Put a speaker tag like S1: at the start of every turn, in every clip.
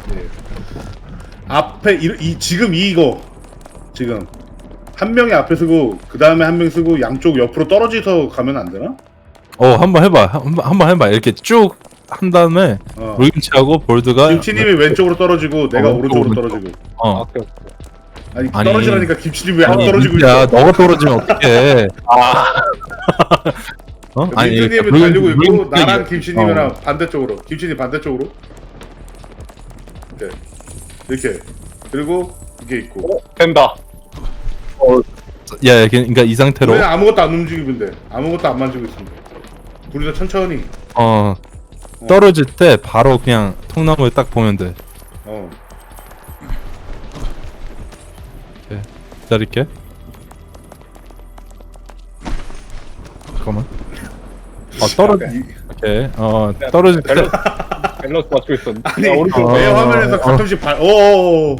S1: 예. 앞에 지금 이거 지금 한 명이 앞에 쓰고 그 다음에 한 명 쓰고 양쪽 옆으로 떨어져서 가면 안 되나?
S2: 한번 해봐. 한번 해봐. 이렇게 쭉 한 다음에 물김치하고 볼드가
S1: 김치님이 왼쪽으로 떨어지고 내가 오른쪽으로
S2: 오른쪽.
S1: 떨어지고.
S3: 오케이.
S1: 아니
S2: 아니.
S1: 떨어지라니까 김치님 왜 안
S2: 아니,
S1: 떨어지고
S2: 민트야,
S1: 있어?
S2: 너가 떨어지면 어떡해?
S1: 민트님이 달리고 있고 나랑 김치님이랑 반대쪽으로. 김치님 반대쪽으로. 이렇게. 그리고 이게 있고.
S3: 된다.
S2: 야, 그러니까 이 상태로
S1: 우리는 아무것도 안 움직이면 돼. 아무것도 안 만지고 있으면 돼. 둘이서 천천히.
S2: 떨어질 때 바로 그냥 통나무에 딱 보면 돼. 기다릴게. 잠깐만. 떨어져. 오케이. 떨어질 때.
S3: 밸런스 맞추고 있었는데.
S1: 아니
S3: 오른쪽.
S1: 내 화면에서 가끔씩 오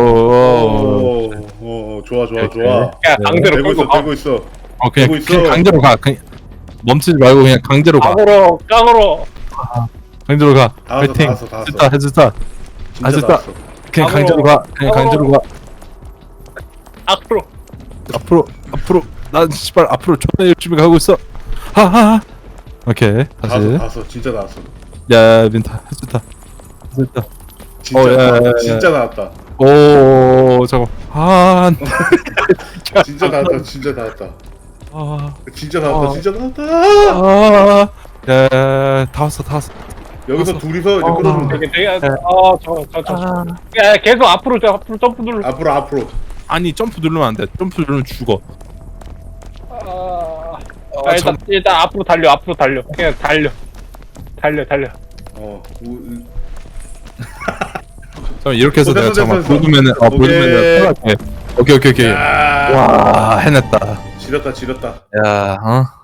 S1: 좋아.
S3: 야, 강제로
S1: 되고
S3: 끌고
S1: 있어
S3: 가.
S1: 되고 있어.
S2: 그냥,
S1: 되고 있어.
S2: 그냥 강제로 가. 그냥 멈추지 말고 그냥 강제로 가.
S3: 깡으로.
S2: 강제로 가.
S1: 다 왔어,
S2: 파이팅.
S1: 다 왔어, 다 왔어.
S2: 했다.
S1: 진짜
S2: 됐다.
S1: 나왔어.
S2: 그냥 강제로 가. 그냥 강제로 가. 앞으로. 난 씨발 앞으로 존나 열심히 가고 있어. 하하. 오케이. 다시.
S1: 나왔어. 진짜 나왔어.
S2: 야, 민타. 했다.
S1: 진짜
S2: 야,
S1: 나왔다.
S2: 야.
S1: 진짜 나왔다.
S2: 오, 잠깐.
S1: 진짜 나왔다. 진짜 나왔다. 진짜 나왔다.
S2: 야, 다 왔어.
S1: 여기서 둘이서 이제 끌어주면 돼.
S3: 되게 야, 계속 앞으로 점프 눌러.
S1: 앞으로.
S2: 아니, 점프 누르면 안 돼. 점프 누르면 죽어.
S3: 일단 앞으로 달려. 그냥 달려.
S2: 잠깐 이렇게 해서 내가
S1: 됐어.
S2: 잠깐 보드맨을 오케이.
S1: 야.
S2: 와, 해냈다.
S1: 지렸다.
S2: 야,